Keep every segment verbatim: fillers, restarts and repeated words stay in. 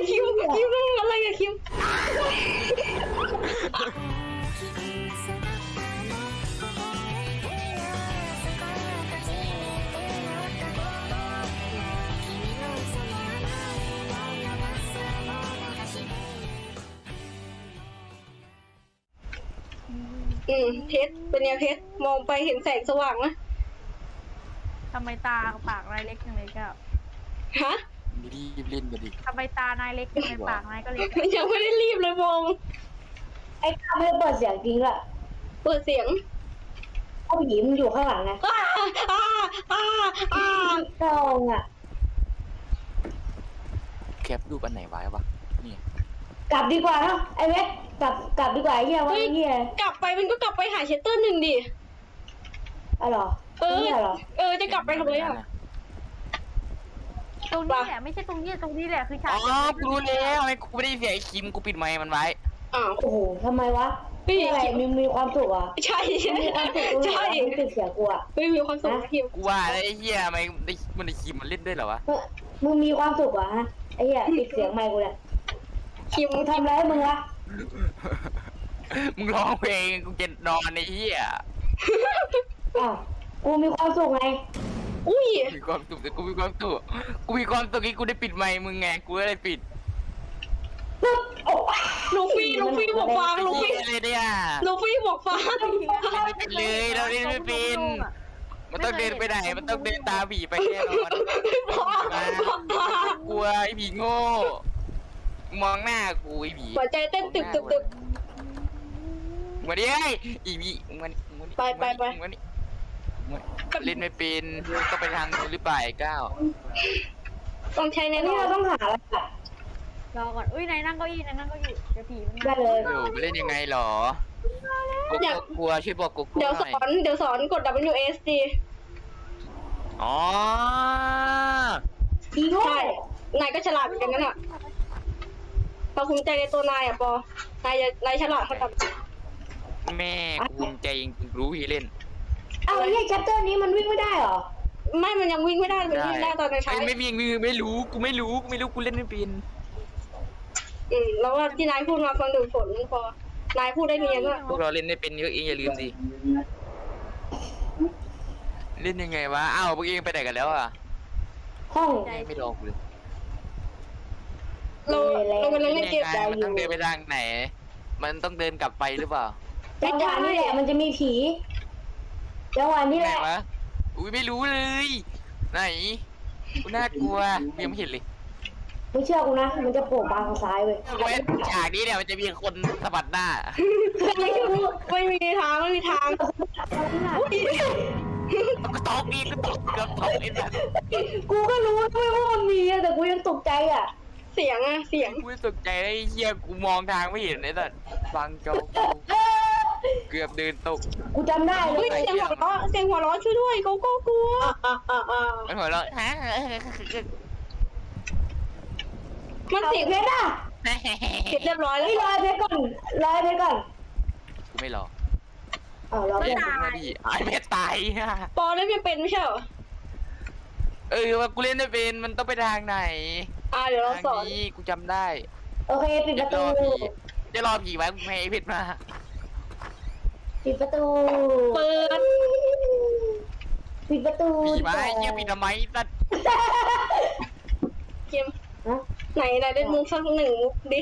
คิวคิวเรื่องอะไรอะคิวอืมเพชรเป็นไงเพชรมองไปเห็นแสงสว่างไหมทำไมตาปากนายเล็กจังเลยเจ้าฮะรีบเล่นกันดิทำไมตานายเล็กจังเลยปากนายก็เล็กยังไม่ได้รีบเลยมองไอ้ข้าไม่ได้เปิดเสียงจริงละเปิดเสียงเพราะผีมันอยู่ข้างหลังไงอ้าอ้าอ้าอ้าตองอ่ะแคปรูปอันไหนไว้วะนี่กลับดีกว่าเนาะไอ้เวทกลับกลับดีกว่าไอ้เหี้ยว่าไอ้เหี้ยกลับไปมันก็กลับไปหาเชสเตอร์หนึ่งดิอ๋อเหรอเออนี่เหรอเออจะกลับไปทำไมอ่ะตรงนี้แหละไม่ใช่ตรงนี้ตรงนี้แหละคือฉากอ๋อกูรู้แล้วไอ้กูไม่ได้เสียไอ้คิมกูปิดไมค์มันไว้อ้าวโอ้โหทำไมวะเฮ้ยอะไรมีมีความสุขอ่ะใช่ใช่มีความสุขตรงไหนใช่วะมันติดเสียงกูอ่ะไม่มีความสุขคิวกูว่าแล้วไอ้เหี้ยทำไมได้มันได้คิมมันเล่นด้วยเหรอวะเออมึงมีความสุขอ่ะฮะไอ้เหี้ยติดเสียงไมค์กูเนี่ยคิวมึงทำอะไรให้มึงวะมึงร้องเพลงกูจะนอนไอ้เหี้ยอ้าวกูมีความสุขไงอุ้ยมีความสุขแต่กูมีความสุขกูมีความสุขที่กูได้ปิดไมค์มึงไงกูก็เลยปิดปึ๊บโอ้ลูฟี่ลูฟี่บอกฟังลูฟี่เลยเนี่ยลูฟี่บอกฟังเลยเราเล่นไม่เป็นมันต้องเดินไปไหนมันต้องเดินตามผีไปแน่นอน กลัวไอ้ผีโง่มองหน้ากูไอ้ผีหัวใจเต้นตึกตึกตึกมาดิไอ้อีผีมันมันไปไปไปมันนี่เล่นไม่เป็นก็ไปทางนู้นหรือเปล่าไอ้ก้าวต้องใช้แน่นนี่อเรานต้องหาอะไรอ่ะรอก่อนอุ้ยนายนั่งเก้าอี้นายนั่งเก้าอี้เดี๋ยวผีมันได้มาเลยเดี๋ยวไปเล่นยังไงหรอกูกลัวช่วยบอกกูกลัวเดี๋ยวหสน่อยอนเดี๋ยวสอนกด ดับเบิลยู เอส ดีอ๋ออีโง่ใช่นายก็ฉลาดเหมือนกันนั่นแหละพอภูมิใจในตัวนายอ่ะปอนายจะนายฉลาดเขาทำแม่กูภูมิใจจริงๆรู้ที่เล่นเอาไอ้เหี้ยแชปเตอร์นี้มันวิ่งไม่ได้เหรอไม่มันยังวิ่งไม่ได้มันวิ่งได้ตอนในใช้ไม่ไม่มีไม่ไม่รู้กูไม่รู้กูไม่รู้กูเล่นไม่เป็นอืมแล้วว่าที่นายพูดมาฟังดูผลพอนายพูดได้เนียนอ่ะพวกเราเล่นไม่เป็นเยอะเองอย่าลืมสิเล่นยังไงวะอ้าวพวกเองไปไหนกันแล้วอ่ะห้องไม่รอกูเลยเราเรากำลังเล่นเกมยังไงมันต้องเดินไปทางไหน มันต้องเดินกลับไปหรือเปล่าจังหวะนี้แหละมันจะมีผีจังหวะนี้ไหแหนละวะอุ้ยไม่รู้เลย ไหนกูน่ากลัวกูยังไม่เห็นเลยไม่เชื่อกูนะ มันจะโผล่มาทางซ้ายเว้ยเว้ยฉากนี้เนี่ยมันจะมีคนสะบัดหน้าไม่รู้ไม่มีทางไม่มีทางอุ๊ยกูตกอีกกูตกเกือบตกไอ้สัสกูก็รู้ด้วยว่ามันมีอะแต่กูยังตกใจอ่ะเสียงอะเสียงกูตกใจไอ้เหี้ยกูมองทางไม่เห็นไอ้สัสฟังจอกูเกือบเดินตกกูจำได้เลเฮ้ยยเสียงหัวเราะเสียงหัวเราะช่วยด้วยเขาก็กลัวอ่ะอ่ะอ่ะมันหัวเราะฮะมันเอาเสียงเพชรอ่ะเสร็จเรียบร้อยแล้เฮ้วยรอเพชรก่อนรอเพชรก่อนกูไม่รออ้าวรอเพชรมาดิไอ้เม็ดตายปอได้ไม่เป็นไม่ใช่เหรอเออว่ากูเล่นไม่เป็นมันต้องไปทางไหนอ่าเดี๋ยวเราสทาอง นนี้กูจำได้โอเคปิดประจะรตูอผีจะรอผีไว้กูไม่ให้ไอ้เพชรมาปิดประตูเปิดปิดประตูผีมาไอ้เหี้ยผีทำไมสัสเกมฮะไหนไหนได้มุกสักหนึ่งมุกดิ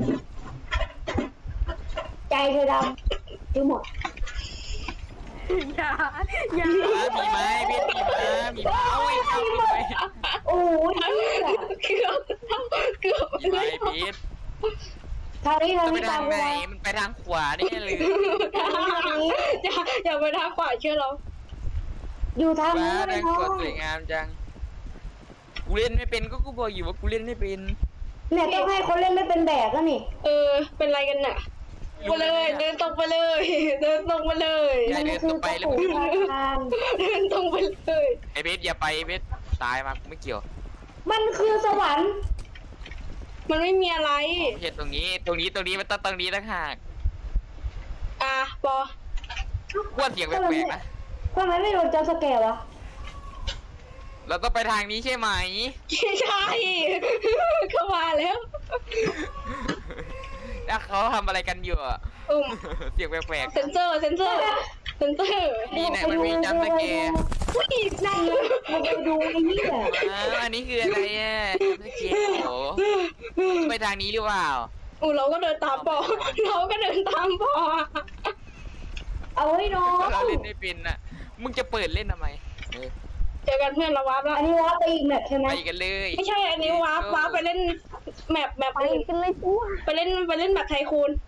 ใจเธอดำทั้งหมดอย่าอย่าผีไหมเพชรผีมาผีมาเอาไอ้เจ้าผีไหมโอ้ยเหี้ยเกือบเกือบผีไหมเพชรทางนี้ทางจะไปนี้ตาทาม งกูไหนมามันไปทางขวาแน่เลยอย่าอย่าไปทางขวาเชื่อเราอยู่ทางว้านี้แดไม่งพอสวยสวยงามจังกูเล่นไม่เป็นก็กูบอกอยู่ว่ากูเล่นไม่เป็นเนี่ยต้องให้คนเล่นไม่เป็นแบกแล้วนี่เออเป็นไรกันน่ะไปเลยเดินตรงไปเลย เดินตรงไปเลยอย่าเดินตรงไปแล้วมันมึคืงอทางเดินตรงไปเลยไอ้เพชรอย่าไปไอ้เพชรตายมากูไม่เกี่ยวมันคือสวรรค์มันไม่มีอะไรไม่ใช่ตรงนี้ ตรงนี้ตรงนี้มันต้องตรงนี้ต่างหากอ่ะปอกวนเสียงแปลกๆนะทำไมไม่โดนจอสแกร์วะเราต้องไปทางนี้ใช่ไหมใช่เข้ามาแล้วแล้วเขาทำอะไรกันอยู่อะอืมเสียงแปลกเซนเซอร์เซนเซอร์เซนเซอร์ๆนี่ไหนมันมีจัมป์สแกร์อุ้ยนั่นเลยมึงไปดูไอ้นี่แหละอ้าวอันนี้คืออะไรอ่ะจัมป์สแกร์โอ้ไปทางนี้หรือเปล่าอู้เราก็เดินตามปอเราก็เดินตามปอเอาไว้น้องเราเล่นไม่เป็นอ่ะมึงจะเปิดเล่นทำไมเออเจอกันเพื่อนเราวาร์ปแล้วอันนี้ว่าไปอีกแมทใช่ไหมไปกันเลยไม่ใช่อันนี้วาร์ปวาร์ปไปเล่นแมปแมปไปอื่นกันเลยกูไปเล่นไปเล่นแบบไทคูน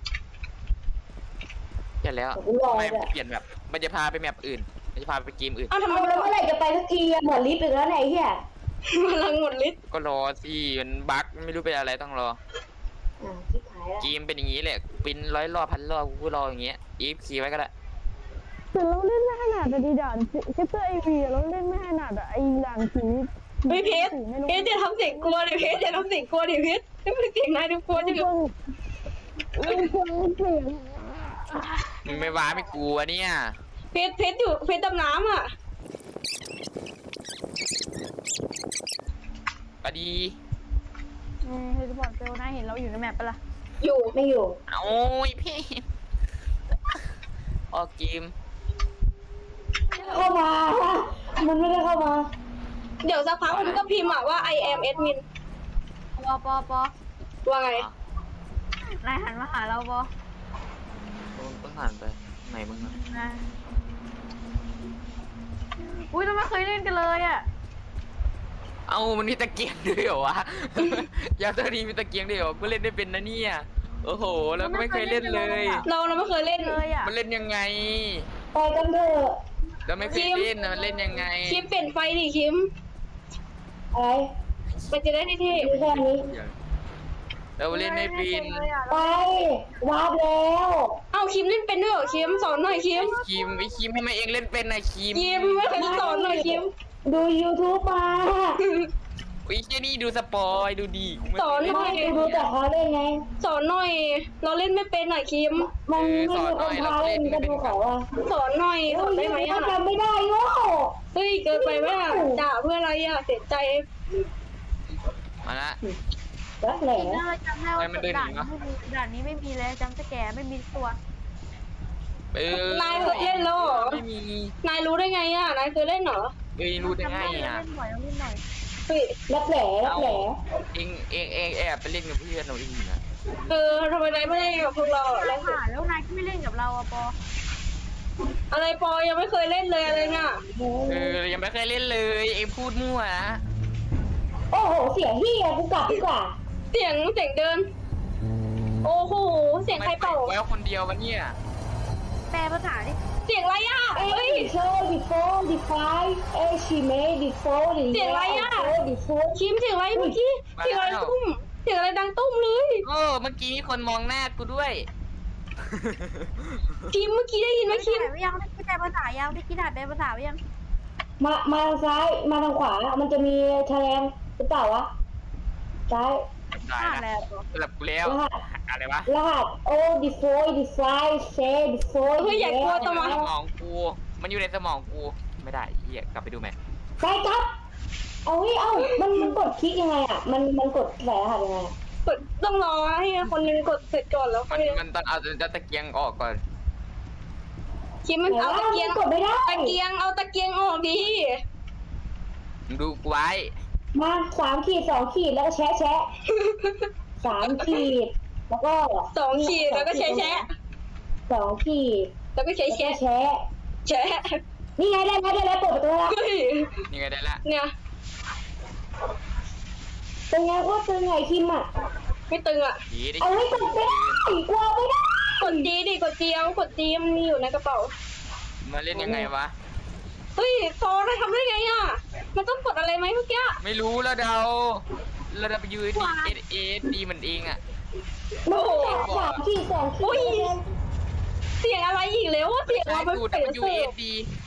เสร็จแล้วผมรอไม่เลยเปลี่ยนแบบมันจะพาไปแมปอื่นมันจะพาไปเกมอื่นอ้าวทำไมเอามันแล้วเมื่อไหร่จะไปสักทีอะหมดลิฟต์อีกแล้วไหนเฮียพลังหมดฤทธิ์ก็รอสิมันบั๊กไม่รู้เป็นอะไรต้องรออ่าชิบหายแล้วเกมเป็นอย่างนี้แหละปินร้อยรอบพันรอบกูรออย่างเงี้ยอีฟคีไว้ก็ได้แต่เราเล่นไม่ขนาดแต่ดีด่านแค่เจอไอวีเราเล่นไม่ขนาดอะไอด่านผีเฮ้ยเพชรเพชรจะทำเสียงกลัวดิเพชรจะทำเสียงกลัวดิเพชรนี่เป็นเสียงนายดูกลัวจังเลยไม่ฟังเสียงมึงไม่ว้าไม่กลัวเนี่ยเพชรเพชรอยู่เพชรดำน้ำอ่ะก็ดีอืมเฮลิคอปเตอร์นายเห็นเราอยู่ในแมปปะล่ะอยู่ไม่อยู่โอ้ยพี่ออกเกมเข้ามา มันไม่ได้เข้ามาเดี๋ยวสักพักมันก็พิมพ์อะว่า I am admin ปอปอปอว่าไงนายหันมาหาเราปอต้องผ่านไปไหนมึงนะนายอุ้ยเราไม่เคยเล่นกันเลยอะเอ้ามันมีตะเกียงด้วยเหรอวะ ยาตัวนี้มีตะเกียงด้วยเหรอกูเล่นได้เป็นนะเนี่ยโอ้โหแล้วก็ไม่เคยเล่นเลยเราเราไม่เคยเล่นเลยอะมันเล่นยังไงไปกันเถอะเราไม่เคยเล่นนะมันเล่นยังไงคิมเปลี่ยนไฟดิคิมอะไรมันจะได้เท่มีแค่นี้เราเล่นไม่เป็นเลยอะไปวาร์ปแล้วๆเอ้าคิมเล่นเป็นด้วยเหรอคิมสอนหน่อยคิมคิมไอคิมทำไมเองเล่นเป็นนะคิมคิมไม่เคยสอนหน่อยคิมดู YouTube มาไอ้เจ้านี่ดูสปอยดูดีกูไม่สอนเคยหน่เล่อยนดูแต่เขาเล่นไงสอนหน่อย เราเล่นไม่เป็นหน่อยคิมมันไม่มีคนพาเล่นกันดูเขาอะสอนหน่อยสอนได้ไหมก็อะจำไม่ได้โง่เฮ้ยเกินไปไหมอะด่าเพื่ออะไรอะเสียใจมาละรักแหล่น่าจำได้ว่าทำไมมันเดินหด่านีนวะไม่มีด่านนี้ไม่มีเลยจำสแกร์ไม่มีตัวเออนายเคยเล่นแล้วเหรอไม่มีนายรู้ได้ไงอะนายเคยเล่นเหรอเอ้ยรู้ได้ไงจำอ่ะเล่นหน่อยเล่นหน่อยเฮ้ยรักแหล่รักแหล่เองเองเองแอบไปเล่นกับเพื่อนเราเองนะเออทำไมนายไม่เล่นกับพวกเราอะนายหาแล้วนายก็ไม่เล่นกับเราอะปออะไรปอยังไม่เคยเล่นเลยอะไรเนี่ยเออยังไม่เคยเล่นเลยเองพูดมั่วนะโอ้โหเสียงเฮียกูกลับดีกว่าเสียงเสียงเดิน โอ้โหเสียงใครเป่าไว้คนเดียววันเนี่ยแปลภาษาดิเสียงอะไรอะเอ้เฮ้ยยโชว์ดิโฟดิไฟเอ้ยชีเมดิโฟดิเสียงอะไรอะโฟดิโฟคิมเสียงอะไรเมื่อกี้เสียงอะไรตุ้มเสียงอะไรดังตุ้มเลยโอ้เมื่อกี้มีคนมองหน้ากูด้วยคิมเมื่อกี้ได้ยินไหมคิมไม่ยังได้คิดแต่ภาษายังได้คิดแต่เป็นภาษายังมามาทางซ้ายมาทางขวามันจะมีแฉลงหรือเปล่าวะซ้ายได้อ่านนะแล้วสลับกูแล้วรหัสอะไรวะรหัสโอ้ดิโฟดิไฟเชดิโฟเฮ้ยอย่ากลัวอตัวยู่มาในสมองกู มันอยู่ในสมองกูไม่ได้เฮียกลับไปดูไหมไปครับเอาเฮ้ยเอ้ามันมันกดคลิกยังไงอ่ะมันมันกดใส่รหัสยังไงอะกดต้องรอให้คนนึงกดเสร็จก่อนแล้วค่มัอนยมันต้องเอาตะเกียงออกก่อนคิมมันเอาตะเกียงมันกดไม่ได้ตะเกียงเอาตะเกียงออกดิมึงดูกูไว้มาสามขีดสองขีดแล้วก็แชะแชะสามขีดแล้วก็สองขีดแล้วก็แชะแชะสองขีดแล้วก็แชะแล้วก็แชะแชะแชะนี่ไงได้แล้วได้แล้วเปิดประตูแล้วเฮ้ยนี่ไงได้ละเนี่ยเป็นไงว่าตึงไงคิมอ่ะไม่ตึงอ่ะดีดิเอาให้กดไม่ได้กลัวไม่ได้กดจีดิกดจีเอากดจีมันมีอยู่ในกระเป๋ามาเล่นยังไงวะเฮ้ยฟอได้ทำได้ไงอ่ะ มันต้องกดอะไรไหมเมื่อกี้ไม่รู้แล้วเดาเราจะไปยืนดีเอสเอสดีมันเองอ่ะมันก็จับสามขีดสองขีอุ้ยดเสียงอะไรอีกแล้วว่าเสียงใช้เราเป็นสูตรเสียงยูเสิเอร์ฟสดี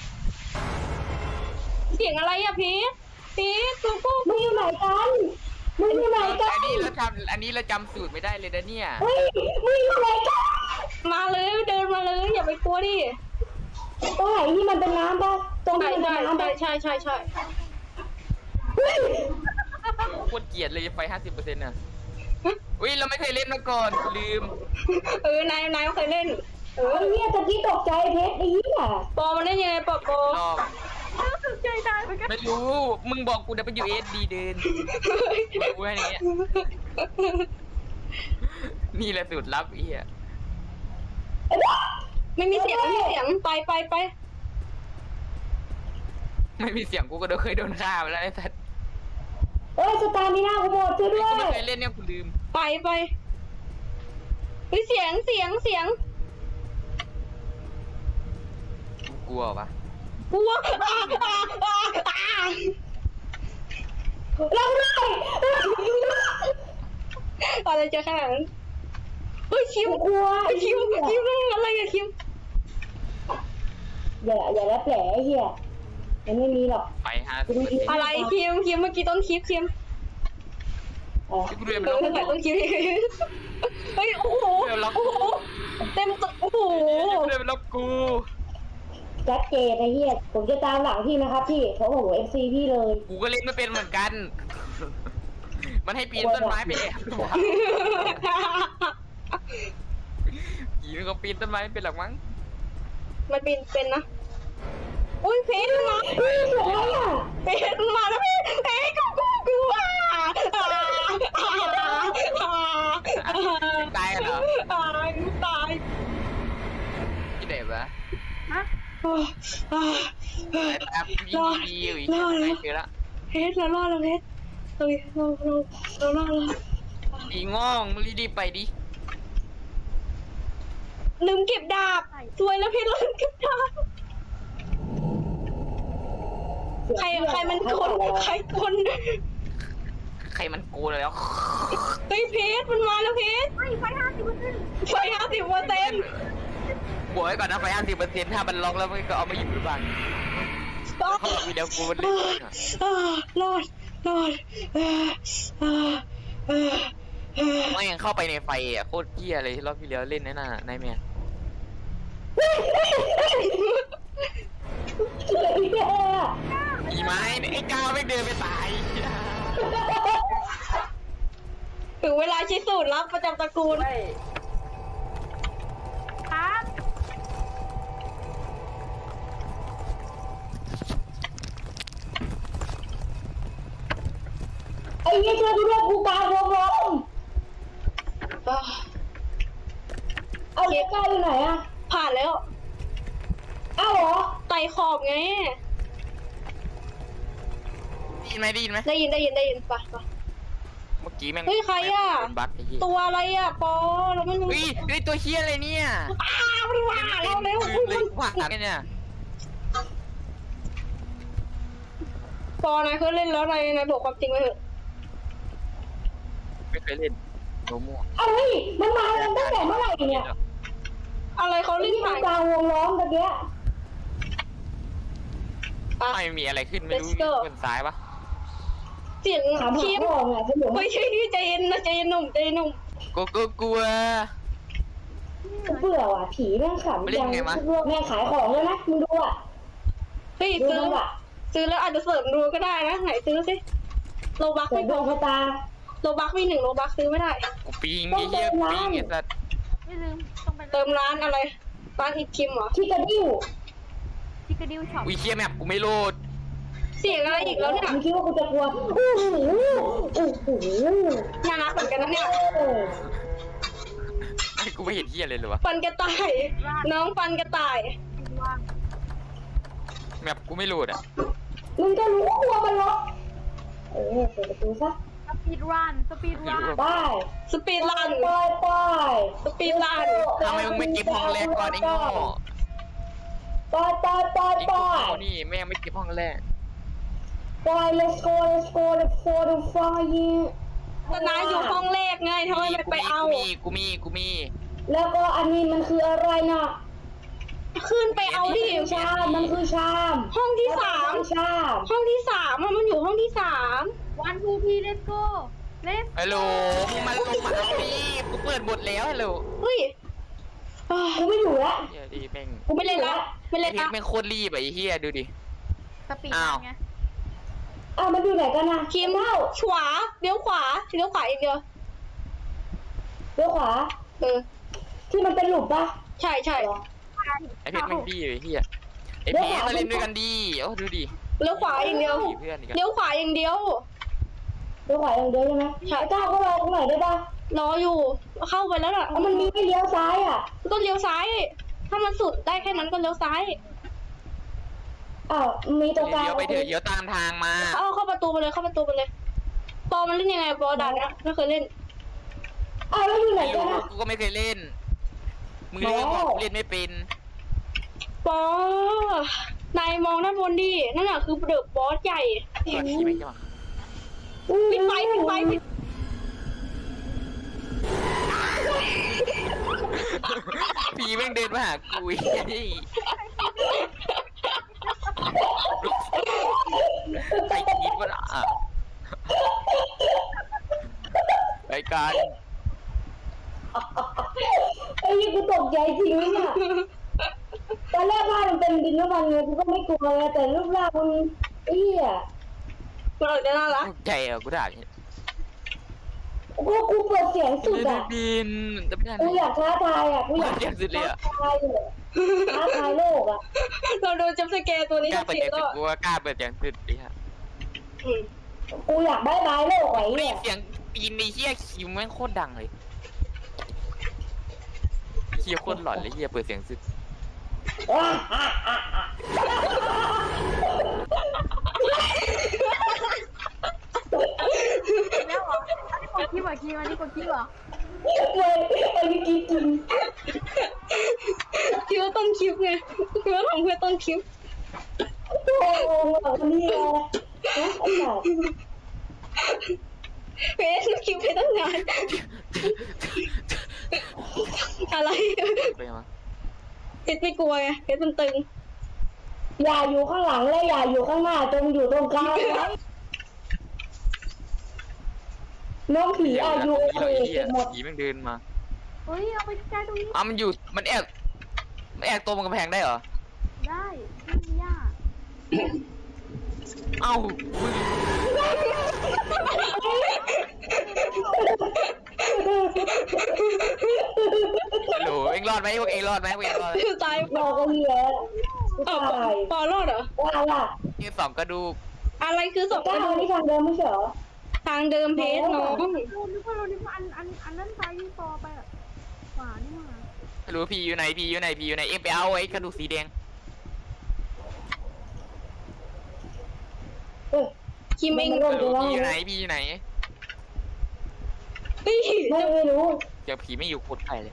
เสียงอะไรอ่ะพีทพีทกูกูมึงอยู่ไหนกันมึงอยู่ไหนกัอันนนี้เราจำอันนี้เราจำสูตรไม่ได้เลยนะเนี่ยเฮ้ยมึงอยู่ไหนกันมาเลยเดินมาเลยอย่าไปกลัวดิตรงไหนที่มันเป็นน้ำปะตรงใช่ที่มันใช่เป็นน้ำปะใช่ใช่ใช่ใช่โคตรเกลียดเลยไฟห้าสิบเปอร์เซ็นต์น่ะอุ้ยเราไม่เคยเล่นมาก่อนลืมเออนายนายเคยเล่นเอไอ้อเหี้ยตะกี้ตกใจเพชรไอ้เหี้ยปอมันเล่นยังไงปอปอรอบตกใจตายเหมือนกันไม่รู้มึงบอกกู W S D เดินกูให้อย่างเงี้ยนี่แหละสูตรลับไอ้เหี้ยไม่มีเสียงไม่มีเสียงไปไปไปไม่มีเสียงกูก็เคยโดนฆ่าไปแล้วไอ้สัสเอ้ยสตาร์มิน่ากูหมดช่วยด้วยกูไม่เคยเล่นเนี่ยกูลืมไปไปเฮ้ยเสียงเสียงเสียงกูกลัวปะกลัวอ่าอ่าอ่าอ่าเราด้วยอะไรจะขนาดนั้นเฮ้ยคิวกูกลัวเฮ้ยคิวคิวนั่นอะไรอะคิวอย่าอย่าแล้วแผลไอ้เหี้ยมันไม่มีหรอกไฟห้าสิบเปอร์เซ็นต์อะไรคิวคิวเมื่อกี้ต้นคลิปคิวอ๋อที่กูเดินไปเอแล้วอถ่ายต้นคลิปเฮ้ยโอ้โหโอ้โหเต็มตัวโอ้โหเดินไปแล้วกูจัดเจนไอ้เหี้ยผมจะตามหลังพี่นะครับพี่เพราะผมเอฟซีพี่เลยกูก็เล่นไม่เป็นเหมือนกัน มันให้ปีนต้นไม้ไปแอบดูวะผีมันก็ปีนต้นไม้ไม่เป็นหรอกมั้งมันเป็นเป็นนะอุ้ยเพชรมาเฮ้ยเสียงอะไรอ่ะเพชรมาแล้วพี่เพชรกูกูกูอ่ะอ่าอ่าอ่าตายเหรอตายตายที่ไหนวะฮะอ่าอ่าแอบดีดีอยู่อีกไม่เจอละเพชรเรารอดแล้วเพชรเฮ้ยเราเราเรารอดแล้วดีง่องรีบไปดิลืมเก็บดาบสวยแล้วเพชรลืมเก็บดาบใครใครมันคนใครคนใครมันโกนแล้วเฮ้ยเพชรมันมาแล้วเพชรไฟไฟห้าสิบเปอร์เซ็นต์ไฟห้าสิบเปอร์เซ็นต์บวกไว้ก่อนนะไฟห้าสิบเปอร์เซ็นต์ถ้ามันล็อกแล้วมันก็เอามาหยิบหรือเปล่าเขาบอกวิดีโอกูมันเล่นรอดรอดเออเออเออเออไม่ยังเข้าไปในไฟอ่ะโคตรเกี้ยเลยรอบที่แล้วเล่นนั่นน่ะนายแม่เสียงเหี้ยมีไหมไอ้ก้าวไม่เดินไปตายถึงเวลาชี้สูตรลับประจำตระกูลครับไอ้เหี้ยช่วยกูด้วยกูกลางวงล้อมเอาเจ๊ก้าอยู่ไหนอะผ่านแล้วเอ้าเหรอไต่ขอบไงได้ยินไหมได้ยินไหมได้ยินได้ยินได้ยินปะปะเมื่อกี้แม่งเฮ้ยใครอะโดนบั๊กไอ้เหี้ยตัวอะไรอ่ะปอเราไม่รู้เฮ้ยเฮ้ยตัวเฮี้ยอะไรเนี่ยอ้าวไม่ว่าเราเร็วลืมเลยว่าอะไรเนี่ยปอนายเคยเล่นแล้วนายนายบอกความจริงไปเถอะไม่เคยเล่นโนมั่วเอาเฮ้ยมันมาตั้งแต่เมื่อไหร่เนี่ยอะไรเขาไอ้เล่นที่ผ่านกลางวงล้อมตะเกียปะไม่มีอะไรขึ้นไม่รู้ Let's go บนซ้ายปะเสียงถามหาคิมพ่อไงสนุกไม่ใช่นี่ใจเย็นนะใจเย็นหนุ่มใจเย็นหนุ่มกูก็กลัวกูเบื่อว่ะผีแม่งขำไม่เล่นไงวะแม่งขายของเลยนะมึงดูอ่ะเฮ้ยดูซื้อมันว่ะซื้อแล้วอาจจะเสริมดูก็ได้นะไหนซื้อสิโลบักเปิไม่ดพดวองชะตาโลบักมีหนึ่งโลบักซื้อไม่ได้กูปิงไอ้เหี้ยกูปิงไอ้สัสไม่ลืมต้องไปเติมร้านอะไรร้านอีกคิมเหรอชิคาดิ้วชิคกดิวช็อปอุ้ยเหี้ยแมปกูไม่โหลดเสียงอะไรอีกแล้วเนี่ยมึงคิดว่ากูจะกลัวโอ้โหโอ้โหน่ารักเหมือนกันนะเนี่ยเออไอ้กูไม่เห็นเหี้ยเลยเลยวะฟันกระต่ายน้องฟันกระต่ายว่างแมปกูไม่โหลดอ่ะมึงก็รู้ว่าตัวมันล็อกเออเปิดประตูซะสปีดรันสปีดรันไปสปีดรันไปไปสปีดรันทำไมมึงไม่เก็บห้องแรกก่อนไอ้โง่ไปไปไปไอ้ไปโง่นี่แม่งไม่เก็บห้องแรกไป let's go let's go let's go the fire ตนาอยู่ห้องแรกไงทำไมไม่ไปเอากูมีกูมีกูมีแล้วก็อันนี้มันคืออะไรนะขึ้นไปเอาดิชามมันคือชามห้องที่สามชามห้องที่สามอะมันอยู่ห้องที่สามวันทูทีเลสโก้เลสฮัลโหลมึงมาลงมาเอาดิกูเปิดหมดแล้วฮัลโหลเฮ้ยอ่ากูไม่อยู่แล้วเหี้ยดิแม่งกูไม่เล่นละไม่ไอ้เล่นเพชละรแม่งโคตรรีบอะไอ้เหี้ยดูดิสปีดอ้ารัวนไงอ้าวมันอยู่ไหนกันนะคิมเล่าขวาเลี้ยวขวาเลี้ยวขวาอีกเดียวเลี้ยวขวาเออที่มันเป็นหลุมปะใช่ใช่เหรอไอเพชรมันดีเลยเฮียไอเพชรมาเล่นด้วยกันดีโอ้ดูดิเลี้ยวขวาอย่างเดียวเพื่อนอีกเลี้ยวขวาอย่างเดียวเลี้ยวขวาอย่างเดียวใช่ไหมใช่ไอ้เจ้าก็รอตรงไหนได้ปะรออยู่เข้าไปแล้วล่ะเอามันมีให้เลี้ยวซ้ายอ่ะก็เลี้ยวซ้าย ถ้ามันสุดได้แค่นั้นก็เลี้ยวซ้ายอ้าวมีตรงกลางเดี๋ยวไปเถอะเดี๋ยวตามทางมาเอาเข้าประตูไปเลยเข้าประตูไปเลยปอมันเล่นยังไงปอด่านนะไม่เคยเล่นอ้าวแล้วอยู่ไหนไม่กัรู้นอ่ะกูก็ไม่เคยเล่นมึงเล่นบอกเล่นไม่เป็นปอนายมองด้านบนดินั่นน่ะคือเดอะบอสใหญ่ก่อนขี่ไม่ใช่ไหมปิดไฟปิดไฟปิดผีแม่งเดินมาหากูอีกใครคิดว่าอ่ะไปกันไอ้ยี่กูตกใจจริงเนี่ยตอนแรกว่ามันเป็นดินน้ำมันไงกูก็ไม่กลัวเลยแต่รูปร่างมันเอี้ยมันออกจะน่ารักใจอ่ะกูด่ากูกูเปิดเสียงสุดเล่นอ่ะบินจะไม่ได้กูอยากท้าทายอ่ะกูอยากเสียงสุดเลยอ่ะท้าทายเลยท้าทายโลกอ่ะเราโดนจับสแกร์ตัวนี้กล้าทุกเปิดทีเสียงแล้สุวดกูว่ากล้าเปิดเสียงสุดดิฮะอืมกูอยากได้บายโลกไอ้กูได้เนี่ยยินเสียงปีนในเฮียคิวแม่งโคตรดังเลยเฮียโคตรหลอนเลยเฮียเปิดเสียงสุดว้าอ่ะอ่ะอ่ะแล้วเหรออันนี้กดคลิปเหรอคิมอันนี้กดคลิปเหรอเลยไอ้นี่กินกินคิดว่าต้นคลิปไงคิดว่าทำเพื่อต้นคลิปโอ้โหแบบนี้ไงนะไอ้สัตว์เฟซคลิปไปตั้งนานอะไรไปมาเพชรไม่กลัวไงเพชรมันตึงอย่าอยู่ข้างหลังและอย่าอยู่ข้างหน้าจงอยู่ตรงกลางไว้น้องผีอายุเฮีเอยเฮียหมดผีแม่งเดินมาเฮ้ยเอาไปใกล้ตรงนี้อ้าวมันอยู่มันแอบมันแอบตัวมันกำแพงได้เหรอได้ไม่มียากเอ้ามึงฮัลโหลเอ็งรอดไหมพวกเอ็งรอดไหมพวกเอ็งรอดไหมตายรอก็เหี้ยกูอ้าวตายปอรอดเหรอว่าล่ะนี่สองกระดูกอะไรคือศพก้าวนี่ทางเดิมไม่ใช่เหรอทางเดิมเพชรน้องเรานึกว่าเรานึกว่าอันอันอันนั้นซ้ายที่ต่อไปอ่ะขวานี่มาไม่รู้พี่อยู่ไหนพี่อยู่ไหนพี่อยู่ไหนเอ็งไปเอาไอ้กระดูกสีแดงเออคิมเองไม่ไม่รู้รู้พี่อยู่ไหนพี่อยู่ไหนเฮ้ยไม่ไม่รู้เดี๋ยวผีไม่อยู่โคตรไกลเลย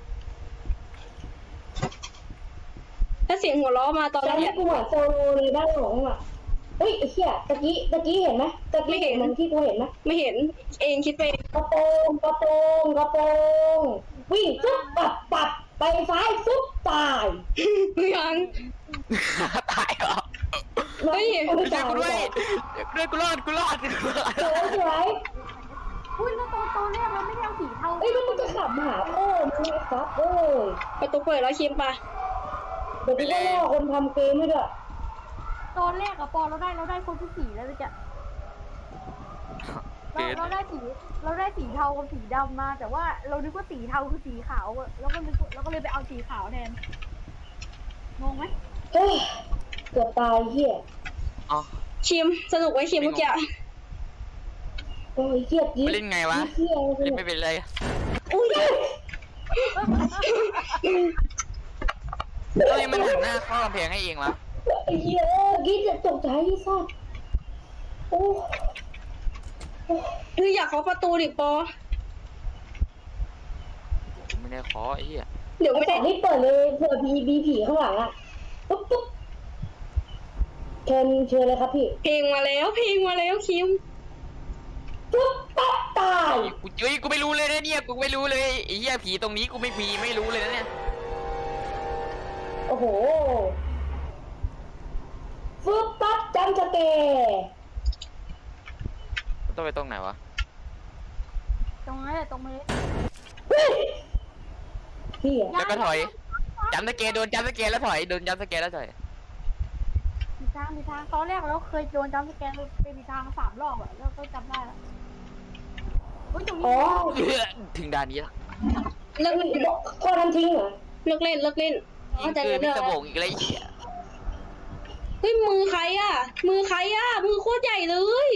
ถ้าเสียงหัวเราะมาตอนตอนแรนี้กกูเหมือนโซโลเลยด้านหลังอ่ะเฮ้ยไอ้เหี้ยตะกี้ตะกี้เห็นไหมตะกี้เห็นเหมือนที่กูเห็นไหมไม่เห็นเองคิดไปเองกระโปรงกระโปรงกระโปรงวิ่งฟุ๊บปับปับไปซ้ายฟุ๊บตายยังตายเหรอเฮ้ยไม่ช่วยตายกูไม่ด้วยตายด้วยกูรอดกูรอดกูรอดสวยสวยอุ้ยแล้วตอนตอนแรกเราไม่ได้เอาสีเทาเอ้ยแล้วมึงจะขับมาหาพ่อมึงไอ้ซับเอ้ยประตูเปิดแล้วคิมปะเดี๋ยวกูก็ล่อคนทำเกมให้ด้วยตอนแรกอะปอเราได้เราได้คนที่สีแล้วจะ เราเกินเราได้สีเราได้สีเทากับสีดำมา แต่ว่าเรานึกว่าสีเทาคือสีขาวอะแล้วก็นึกว่าเราก็เลยไปเอาสีขาวแทนงงไหมเฮ้ยเกือบตายเหี้ยอ๋อคิมสนุกไว้คิมเมื่อกี้โอ้ยเหี้ยจี๊ดไม่เล่นไงวะเหี้ยเล่นไม่เป็นเลยอุ้ยทำไมมันหันหน้าเข้ากำแพงให้เองวะไอ้เหี้ยกิ๊ดจะตกใจที่สัตว์โอ้เฮ้ยอยากเคาะประตูดิปอไม่ได้ขอไอ้เหี้ยเดี๋ยวไอ้ไม่แต่ได้นี่เปิดเลยเผื่อมีมีผีข้างหลังอ่ะปุ๊บปุ๊บเชิญเชิญเลยครับพี่เพลงมาแล้วเพลงมาแล้วคิมปุ๊บปั๊บตายกูเฮ้ยกูไม่รู้เลยนะเนี่ยกูไม่รู้เลยไอ้เหี้ยผีตรงนี้กูไม่มีไม่รู้เลยนะเนี่ยโอ้โหฟึบปั๊บจำสเกร์ต้องไปตรงไหนวะตรงนั้นแหละตรงมาเลยพี่อะแล้วก็ถอยจำสเกลโดนจำสเกลแล้วถอยโดนจำสเกลแล้วถอยสีกทางมีทางตอนแรกเราเคยโดนจำสแกนไปมีทางสามรอบอะแล้วก็จำได้แล้วเฮ้ยตรงนี้อ๋อถึงด่านนี้ละเลิกพ่อทำทิ้งเหรอเลิกเล่นเลิกเล่นยิเข้าง ใจเกินเรื่พิองศแล้ววงอีกแล้วไอ้เหี้ยเฮ้ยมือใครอ่ะ มือใครอ่ะ มือโคตรใหญ่เลย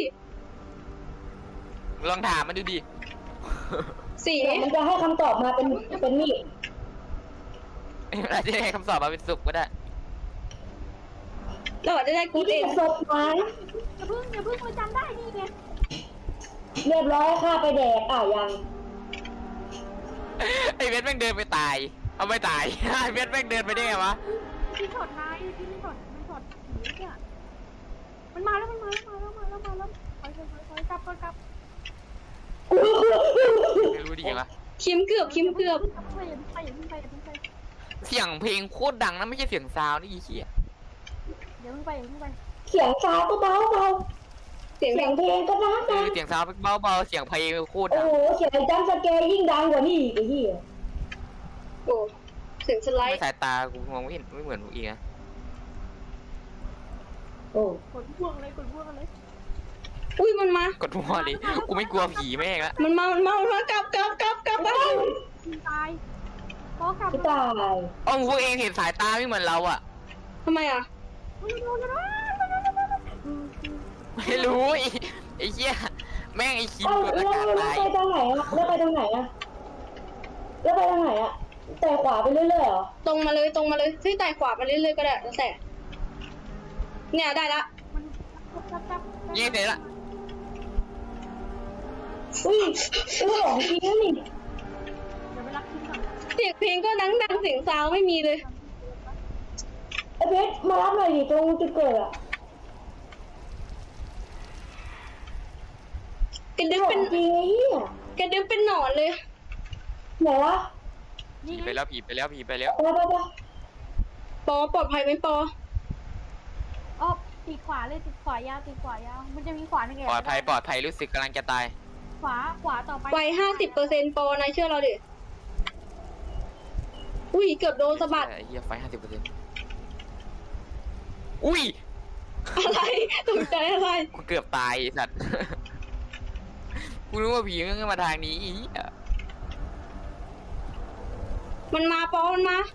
ลองถามมันดูดิสีเดี๋ยวมันจะให้คำตอบมาเป็นเป็นมีดอาจจะให้คำตอบมาเป็นสุกก็ได้เราอาจจะได้กูนี่เอเป็งนศพไม้อย่าเพิ่งอย่าเพิ่งมาจำได้นี่ไงเรียบร้อยค่าไปแดกอ่ะยังไอ้เวทแม่งเดินไปตาย เอาไม่ตาย ไอ้เวทแม่งเดินไปได้ไงวะที่ช็อตนายที่นี่ช็อตมันช็อตผีเนี่ยมันมาแล้วมันมาแล้วมาแล้วมาแล้วมาแล้วถอยถอยถอยถอยกลับก่อนกลับไม่รู้ดิไงวะคิมเกือบคิมเกือบอย่าเพิ่งไปอย่าเพิ่งไปอย่าเพิ่งไปอย่าเพิ่งไปเสียงเพลงโคตรดังนะไม่ใช่เสียงซาวน์นี่อีเหี้ยอย่าเพิ่งไปอย่าเพิ่งไปเสียงซาวก็เบาเบาเสียงเสีแบยงบเพลงก็ดังเอดัอง เสียงซาวน์เบาๆเสียงเพลงโคตรโอ้ดังโหเสียงจัมป์สแกร์ยิ่งดังกว่านี่อีกไอ้เหี้ยโอ้เสียงสไลไม่ด์สายตากูมองไม่เห็นไม่เหมือนพวกอีกนะโอ้กดพ่วงเลยกดพ่วงเลยอุ้ยมันมากดหัวเลยกูไม่กลัวผีแม่งละมันมา มันมา มันมากลับกลับกลับกลับไปมึงตายพอกลับพี่ตายอ๋อพวกเองเห็นสายตาไม่เหมือนเราอ่ะทำไมอ่ะไม่รู้ไอ้ไอ้เหี้ยแม่งไอ้คิมเอ้ากดแล้อาว กาศแล้วตายไปทางไหนอะแล้วไปทางไหนอะแล้วไปทางไหนอะแต่ขวาไปเรื่อยๆเหรอตรงมาเลยตรงมาเลยที่ไต่ขวาไปเรื่อยๆก็ได้แล้วแต่ เนี่ยได้ละมันกลับกลับเย้เสร็จละอุ้ยเรื่องของจริงนะนี่เดี๋ยวไปรักทิ้งก่อนเสียงเพลงก็ดังดังเสียงซาวไม่มีเลยไอ้เพชรมารับหน่อยดิตรงจุดเกิดอะกระดึ๊บขอเป็นงจริงไอ้เหี้ยกระดึ๊บเป็นหนอนเลยไหนวะผีนี่ไปไงแล้วผีไปแล้วผีไปแล้วไปไปไปปอปลอดภัยไหมปออ๋อติดขวาเลยติดขวายาวติดขวายาวมันจะมีขวาหนึ่งแอบปลอดภัยปลอดภัยรู้สึกกำลังจะตายขวาขวาต่อไปไวห้าสิบเปอร์เซ็นต์ปอนายเชื่อเราดิ อุ้ยเกือบโดนสะบัดไอ้เหี้ยไฟห้าสิบเปอร์เซ็นต์อุ้ยอะไรตกใจอะไรกูเกือบตายไอ้สัตว์ กูรู้ว่าผีมันมาทางนี้อีเหี้ยมันมาปอมันมา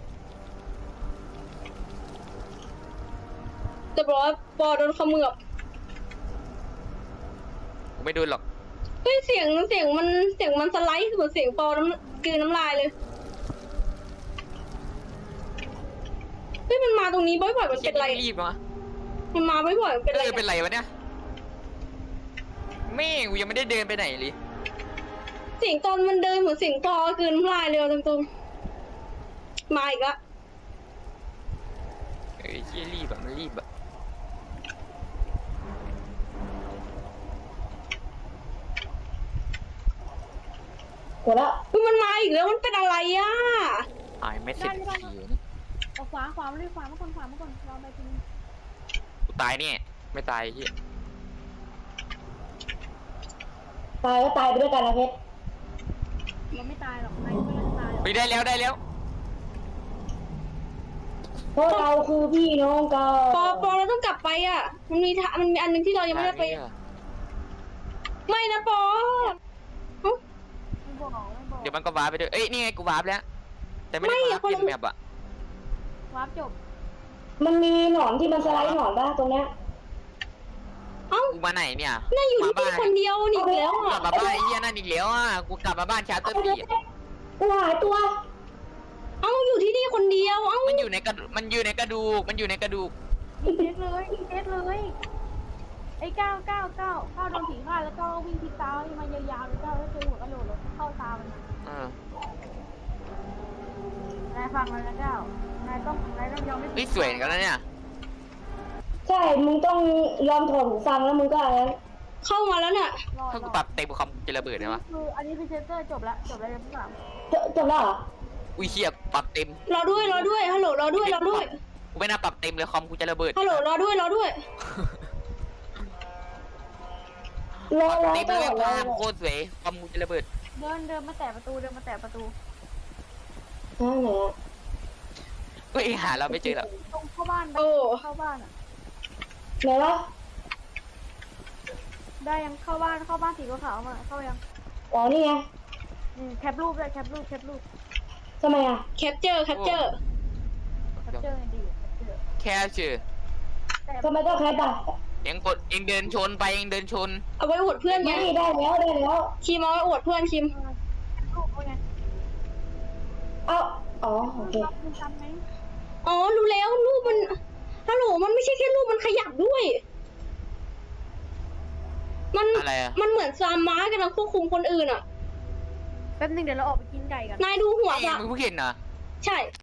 จะบอกว่าปอโดนเขมือบกูไม่โดนหรอกเฮ้ยเสียงเสียงมันเสียงมันสไลด์เหมือนเสียงปอน้ำกลืนน้ำลายเลยเฮ้ยมันมาตรงนี้บ่อยๆมันเป็นไรรีบวะมันมาบ่อยๆมันเป็นเอไรอเป็นไรวะเนี่ยแม่งกูยังไม่ได้เดินไปไหนเลยเสียงตอนมันเดินเหมือนเสียงปอกลืนน้ำลายเลยตรงๆมาอีกละเอ้ยเหี้ยรีบแบบมันรีบแบบกดแล้วเฮ้ยมันมาอีกแล้วมันเป็นอะไรอ่ะตายไม่เสร็จทีวะเนี่ยเอาขวาขวามาเลยขวามาก่อนขวามาก่อนรอไปทีนึงกูตายเนี่ยไม่ตายไอ้เหี้ยตายก็ตายไปด้วยกันนะเพชรเราไม่ตายหรอกนายไม่ตายหรอกไปได้แล้วได้แล้วเพราะเราคือพี่น้องกันปอปอเราต้องกลับไปอ่ะ มันมีทางมันมีอันหนึงที่เรายังไม่ได้ไป ไม่นะปอเอ้าไม่บอกไม่บอกเดี๋ยวมันก็วาร์ปไปด้วยเอ้ยนี่ไงกูวาร์ปแล้ว แต่ไม่ได้ไม่วาอะร์ปคนเปละลี่ยนแมปอะวาร์ปจบมันมีหนอนที่มันสไลด์หนอนป่ะตรงเนี้ยเอ้ากูมาไหนเนี่ยน่าอยู่ที่มานี่บ้านคนเดียวนี่อีกแล้วกลัอ่ะบมาบ้านไอ้เหี้ยนั่นอีกแล้วอ่ะกูกลับมาบ้านชาร์เตอร์เอาบีเพชรกูหายตัวเอ้าอยู่ที่นี่คนเดียว เอ้ามันอยู่ในกระดูมันอยู่ในกระดูกมันอยู่ในกระดูกยิงเด็ดเลยยิงเด็ดเลยไอ้เก้าเก้าเก้าเก้าโดนผีฆ่าแล้วก็วิ่งทิศตาให้มายาวๆแล้วเก้าแล้วเจอหัวกระโหลกแล้วเข้าตามันเออนายฟังมันนะเก้านายต้องนายต้องยอมไม่นี่สวยเหมือนกันแล้วเนี่ยใช่ มึงต้องยอมถอดหูฟังแล้วมึงก็อะไรนะเข้ามาแล้วเนี่ยรอถ้ารกูอปรับเต็มคอมจะระเบิดไหมวะคืออันนี้พรีเซนเตอร์จบละจบแล้วเรื่องที่สามจบจบแล้วเหรออุ้ยเชี่ยปรับเต็มรอด้วยรอด้วย ฮัลโหลรอด้วยรอด้วยกูไม่น่าปรับเต็มเลยคอมกูจะระเบิดฮัลโหลรอด้วยรอด้วยรอรอเต็มตเลลยอดรอภาพโคตรสวยคอมกูจะระเบิดเดินเดินมาแตะประตูเดินมาแตะประตูอ่าไหนอะเฮ้ยหาเราไม่เจอหรอกตรงเข้าบ้านไปโอ้เข้าบ้านอ่ะไหนวะได้ยังเข้าบ้านเข้าบ้านสีขาวๆมาเข้ายังอ๋อนี่ไงอืมแคปรูปเลยแคปรูปแคปรูปทำไมอ่ะแคปเจอร์แคปเจอร์แคปเจอร์ดีแคปเจอร์แค่ชื่อแต่ทำไมต้องแคปอ่ะเองกดเองเดินชนไปเองเดินชนเอาไว้อวดเพื่อนไงไม่ได้แล้วได้แล้วคิมเอาไว้อวดเพื่อนคิมรูปเขาไงเอาอ๋อโอเคคุณจำไหมอ๋อรู้แล้วรูปมันฮัลโหลมันไม่ใช่แค่รูปมันขยับด้วย มันอะไรอะมันเหมือนซามม้ากำลังควบคุมคนอื่นอ่ะแป๊บนึงเดี๋ยวเราออกไปกินไก่กันนายดูหัวเองซะมึงเพิ่งเห็นเหรอใช่